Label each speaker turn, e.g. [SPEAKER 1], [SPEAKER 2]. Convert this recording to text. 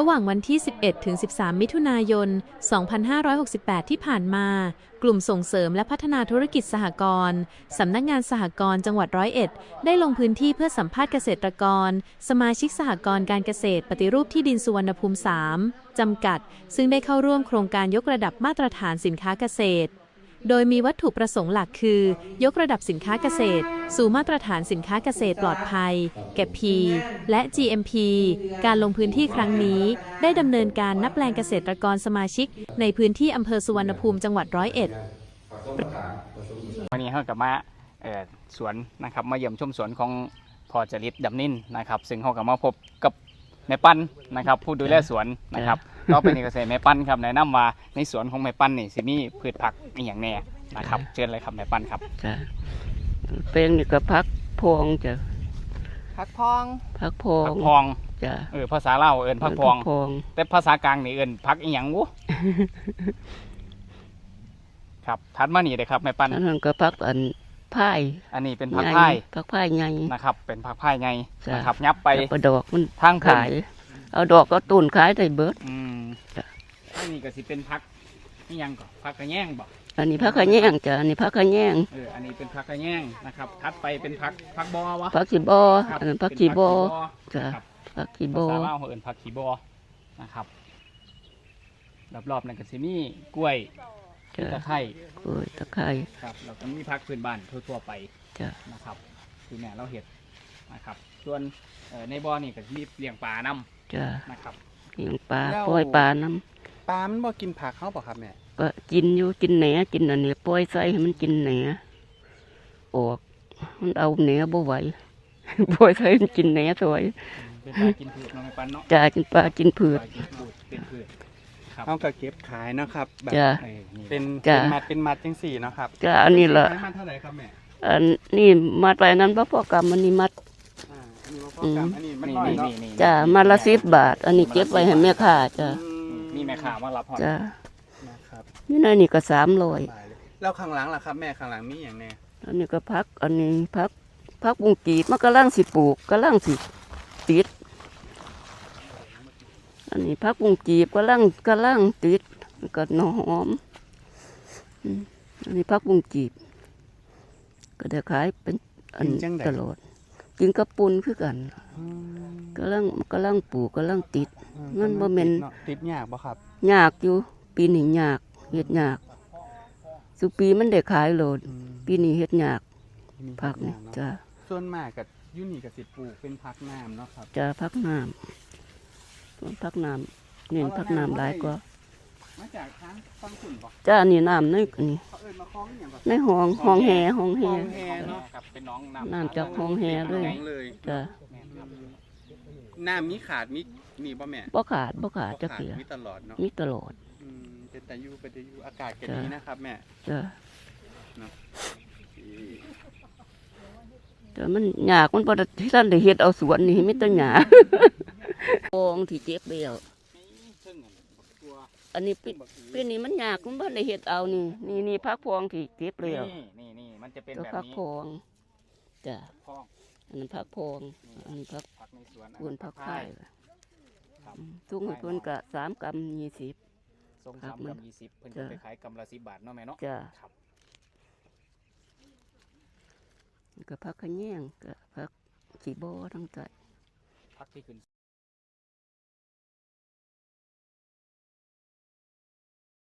[SPEAKER 1] ระหว่างวันที่ 11 ถึง 13 มิถุนายน 2568 ที่ผ่านมา กลุ่มส่งเสริมและพัฒนาธุรกิจสหกรณ์สำนักงานสหกรณ์จังหวัดร้อยเอ็ดได้ลงพื้นที่เพื่อสัมภาษณ์เกษตรกรสมาชิกสหกรณ์การเกษตรปฏิรูปที่ดินสุวรรณภูมิ 3 จำกัด ซึ่งได้เข้าร่วมโครงการยกระดับมาตรฐานสินค้าเกษตรโดยมีวัตถุประสงค์หลักคือ ยกระดับสินค้าเกษตรสู่มาตรฐานสินค้าเกษตรปลอดภัย เก็บ P และ GMP การลงพื้นที่ครั้งนี้ได้ดำเนินการนับแปลงเกษตรกรสมาชิกในพื้นที่อำเภอสุวรรณภูมิจังหวัดร้อยเอ็ด
[SPEAKER 2] วันนี้เขากับมาสวนนะครับมาเยี่ยมชมสวนของพ่อจริตดำนินนะครับซึ่งเขากับมาพบกับแม่ปั้นนะครับผู้ดูแลสวนนะครับก็เป็นเกษตรแม่ปั้นครับแนะนำว่าในสวนของแม่ปั้นนี่สิมีพืชผักอย่างแน่นะครับเชิญเลยครับแม่ปั้นครับ
[SPEAKER 3] จ้ะเป็นนี่ก็พักพองจ้ะ
[SPEAKER 4] ผักพอง
[SPEAKER 3] พักพอง
[SPEAKER 2] ผักพอง
[SPEAKER 3] จ้ะ
[SPEAKER 2] ภาษาลาวเอิ้นผักพองแต่ภาษากลางนี่เอิ้นผักอีหยังวุครับถัดมานี่เลยครับแม่ปั้น
[SPEAKER 3] นั่นก็พักพาย
[SPEAKER 2] อันนี้เป็นผักพาย
[SPEAKER 3] ผักพายไง
[SPEAKER 2] นะครับเป็นผักพายไงนะครับยับไป
[SPEAKER 3] ดอกมันทางขายเอาดอกก็ตุนขายได้เบิด
[SPEAKER 2] อันนี้ก็สิเป็นผักนี่ยังก่อนผักกระแยงบอก
[SPEAKER 3] อันนี้ผักกระแยงจ้ะอันนี้ผักกระแยง
[SPEAKER 2] อันนี้เป็นผักกระแยงนะครับถัดไปเป็นผักบอวะ
[SPEAKER 3] ผักขีบออันนั้นผักขีบอจ้ะผักขีบอ
[SPEAKER 2] ภาษาลาวเขาเอิ้นผักขีบอนะครับรอบๆนั่นก็สิมีกล้วยตะไคร้
[SPEAKER 3] กล้วยตะไคร้
[SPEAKER 2] ครับเราก็มีผักพื้นบ้านทั่วๆไป
[SPEAKER 3] จ้ะ
[SPEAKER 2] นะครับคือแม่เราเห็ดนะครับส่วนในบ่อนี่ก็มีเลี้ยงปลาน้
[SPEAKER 3] ำจ้ะ
[SPEAKER 2] นะครับ
[SPEAKER 3] เลี้ยงปลาปล่อยปลาน้
[SPEAKER 4] ำปลามันบ่กินผักเขาเปล่าครับแม่
[SPEAKER 3] ก็กินอยู่กินแหนกินอันนี้ปล่อยใส่ให้มันกินแหนออกมันเอาแหนบ่ไหวปล่อยใส่มันกินแหนสวย
[SPEAKER 2] เป็นปลากินผืชเนาะแม่ปั้นเนาะ
[SPEAKER 3] จ้ะกินปลากินผืช
[SPEAKER 2] เป็นผืช
[SPEAKER 4] เขาก็เก็บขายนะครับแบบเป็นมัดจังสี่นะครับ
[SPEAKER 3] จ้ะอันนี้ละ
[SPEAKER 4] มัดเท่าไหร่ครับแม่
[SPEAKER 3] อันนี้มัดไปนั้นพ่อกรรมอันนี้มัดจ้ะมัดละ10 บาทอันนี้เก็บไว้ให้แม่ค้าจ้ะ
[SPEAKER 2] มีแม่ค้ามารับ
[SPEAKER 3] จ้ะนี่นายนี่ก็300
[SPEAKER 4] แล้วข้างหลังล่ะครับแม่ข้างหลังมีอย่างแน่
[SPEAKER 3] อันนี้ก็พักอันนี้พักบุ้งกีดมันกำลังสิปลูกกำลังสิติดอันนี้พักบุ้งกีบกำลังติดก็หอมอันนี้พักบุ้งกีบก็ได้ขายเป็นอันตลอดกินกระปุนคือกันกำลังปลูกกำลังติดมันบ่แม่น
[SPEAKER 4] ติดยากบ่ครับ
[SPEAKER 3] ยากอยู่ปีนี้ยากเฮ็ดยากสุปีมันได้ขายโหลดปีนี้เฮ็ดยากผักนี่จ้ะ
[SPEAKER 4] ส่วนมากกับยูนี่กับสิปลูกเป็นผักน้ำเนาะครับ
[SPEAKER 3] จ้ะผักน้ำส่วนผักน้ำเน้นผักน้ำหลายกว่า
[SPEAKER 4] มาจากทางฟังขุ่นบ่
[SPEAKER 3] จ้ะนี่น้ำนี่นี่ในห้องแห่เ
[SPEAKER 4] นาะ
[SPEAKER 2] เป็นน้อง
[SPEAKER 3] น้ำจากห้องแห่เลยจ้ะ
[SPEAKER 4] น้ำมีขาดมีบ่แม่
[SPEAKER 3] บ่ขาดจะเกลือ
[SPEAKER 4] มีตลอดเนาะ
[SPEAKER 3] มีตลอด
[SPEAKER 4] เป็นแต่อยู่อากาศก็ดีนะครับแม่
[SPEAKER 3] จ้ะแต่มันหยากมันพอที่ท่านได้เฮ็ดเอาสวนนี่มีแต่หยาพองที่เจ็บเบี้ยวอันนี้ปีนี้มันหยากมันบ่ได้เฮ็ดเอานี่พักพองที่เจ็บเบี้ยว
[SPEAKER 2] นี่มันจะเป็นแบบนี้
[SPEAKER 3] พักพองจ้ะอันนั้นพักพองอันนี้พัก
[SPEAKER 2] ในสวน
[SPEAKER 3] ส่วนพักไผ่ทุกคนก็3 กรัม 20
[SPEAKER 2] ส่ง3 กรัม 20เพิ่นจะไปขายกรัมละ10 บาทเนาะแม่เนาะ
[SPEAKER 3] จ้ะก็พักขะแยงก็พักขี้บ่อทั้งใจ
[SPEAKER 2] พักที่ขึ้น